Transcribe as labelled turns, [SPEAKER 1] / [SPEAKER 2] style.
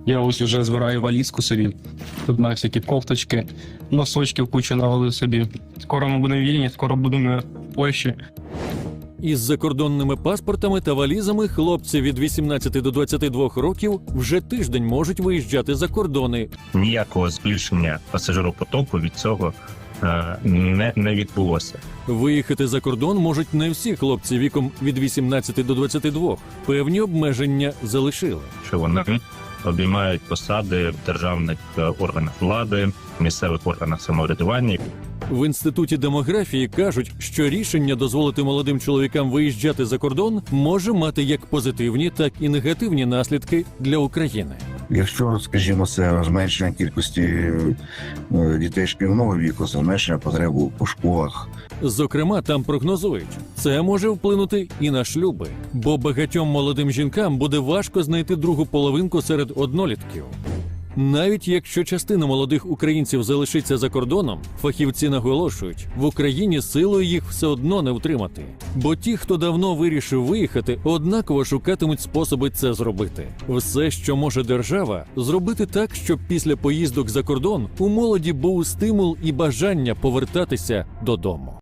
[SPEAKER 1] Я ось вже збираю валізку собі. Тут на всякі кофточки, носочків кучу навалив собі. Скоро ми будемо вільні, скоро будемо в Польщі.
[SPEAKER 2] Із закордонними паспортами та валізами хлопці від 18 до 22 років вже тиждень можуть виїжджати за кордони.
[SPEAKER 3] Ніякого збільшення пасажиропотоку від цього не відбулося.
[SPEAKER 2] Виїхати за кордон можуть не всі хлопці віком від 18 до 22. Певні обмеження залишили.
[SPEAKER 3] Що вони обіймають посади в державних органах влади, місцевих органах самоврядування.
[SPEAKER 2] В Інституті демографії кажуть, що рішення дозволити молодим чоловікам виїжджати за кордон може мати як позитивні, так і негативні наслідки для України.
[SPEAKER 4] Якщо, скажімо, це зменшення кількості дітей шкільного віку, це зменшення потреби у школах.
[SPEAKER 2] Зокрема, там прогнозують, це може вплинути і на шлюби, бо багатьом молодим жінкам буде важко знайти другу половинку серед однолітків. Навіть якщо частина молодих українців залишиться за кордоном, фахівці наголошують, в Україні силою їх все одно не втримати. Бо ті, хто давно вирішив виїхати, однаково шукатимуть способи це зробити. Все, що може держава, зробити так, щоб після поїздок за кордон у молоді був стимул і бажання повертатися додому.